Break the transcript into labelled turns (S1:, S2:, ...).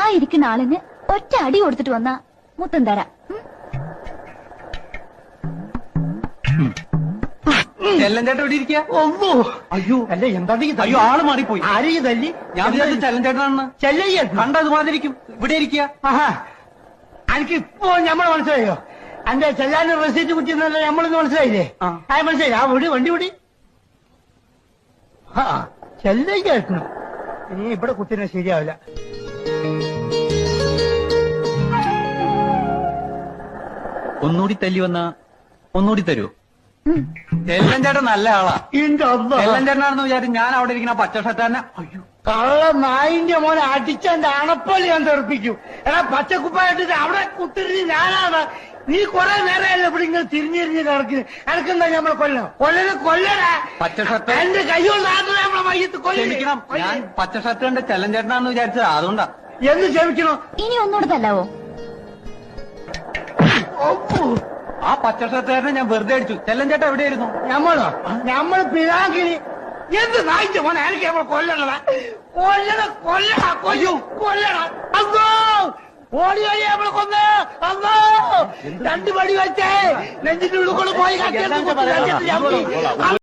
S1: ഇരിക്കുന്ന ആളിന് ഒറ്റ അടി കൊടുത്തിട്ട് വന്നാ മുത്തം തരാം.
S2: ചെല്ലഞ്ചേട്ടൻ ഇവിടെ ഇരിക്കുക.
S3: ഒന്നോ
S2: അയ്യോ
S3: അല്ല എന്താ
S2: അയ്യോ ആള് മാറിപ്പോയി.
S3: ആരെയും തല്ലി?
S2: ഞാൻ വിചാരിച്ചു ചെല്ലഞ്ചേട്ടനാണെന്ന്.
S3: ചെല്ലയ്യ
S2: കണ്ടത് മാതിരിക്കും. ഇവിടെ ഇരിക്കുക.
S3: ആഹാ എനിക്ക് ഇപ്പോ ഞമ്മളെ മനസ്സിലായോ? എന്റെ ചെല്ലാന്റെ റെസീറ്റ് കുറ്റിന്നല്ല നമ്മളെന്ന് മനസ്സിലായില്ലേ? മനസ്സിലായി. ആ വിടി വണ്ടി വിടി. ആ ചെല്ലയ്യ എത്തണം. ഇനി ഇവിടെ കുത്തിനെ ശരിയാവില്ല.
S2: ഒന്നുകൂടി തല്ലി വന്ന ഒന്നുകൂടി തരൂ. ചെല്ലഞ്ചേട്ടൻ നല്ല ആളാ. ചെല്ലഞ്ചേട്ടനാണെന്ന് വിചാരിച്ചു ഞാൻ അവിടെ ഇരിക്കുന്ന പച്ച ഷർട്ടാനെ. അയ്യോ
S3: കള്ള നായിന്റെ മോനെ അടിച്ചെന്റെ അണപ്പള്ളി ഞാൻ തെറിപ്പിക്കും. എടാ പച്ചക്കുപ്പായിട്ടിട്ട് അവിടെ കുത്തിരിഞ്ഞ് ഞാനാണ്. നീ കുറെ നേരമല്ല ഇവിടെ ഇങ്ങനെ തിരിഞ്ഞിരിഞ്ഞ് കിടക്കുന്നു. എനക്കെന്താ നമ്മളെ കൊല്ലടാ.
S2: പച്ച ഷർട്ട്
S3: എന്റെ കൈകൊണ്ട് നമ്മളെ മയ്യത്ത്
S2: ക്ഷമിക്കണം. ഞാൻ പച്ച ഷർട്ട് കണ്ട് ചെല്ലഞ്ചേട്ടനാണെന്ന് വിചാരിച്ചത് അതുകൊണ്ടാ.
S3: എന്ന് ക്ഷമിക്കണോ?
S1: ഇനി ഒന്നുകൂടെ തല്ലാവോ?
S2: ആ പച്ച ഷർട്ടുകാരനെ ഞാൻ വെറുതെ അടിച്ചു. ചെല്ലഞ്ചേട്ടൻ എവിടെയായിരുന്നു?
S3: നമ്മൾ പിതാക്കിനി എന്ത് നായിന്റെ മോനെ എനിക്ക് നമ്മൾ കൊല്ലണ അന്നോ ഓടി വഴി നമ്മളെ കൊന്ന് അന്നോ 2 പടി വെച്ചേ നെഞ്ചിന്റെ ഉള്ളിൽ കൊണ്ട് പോയി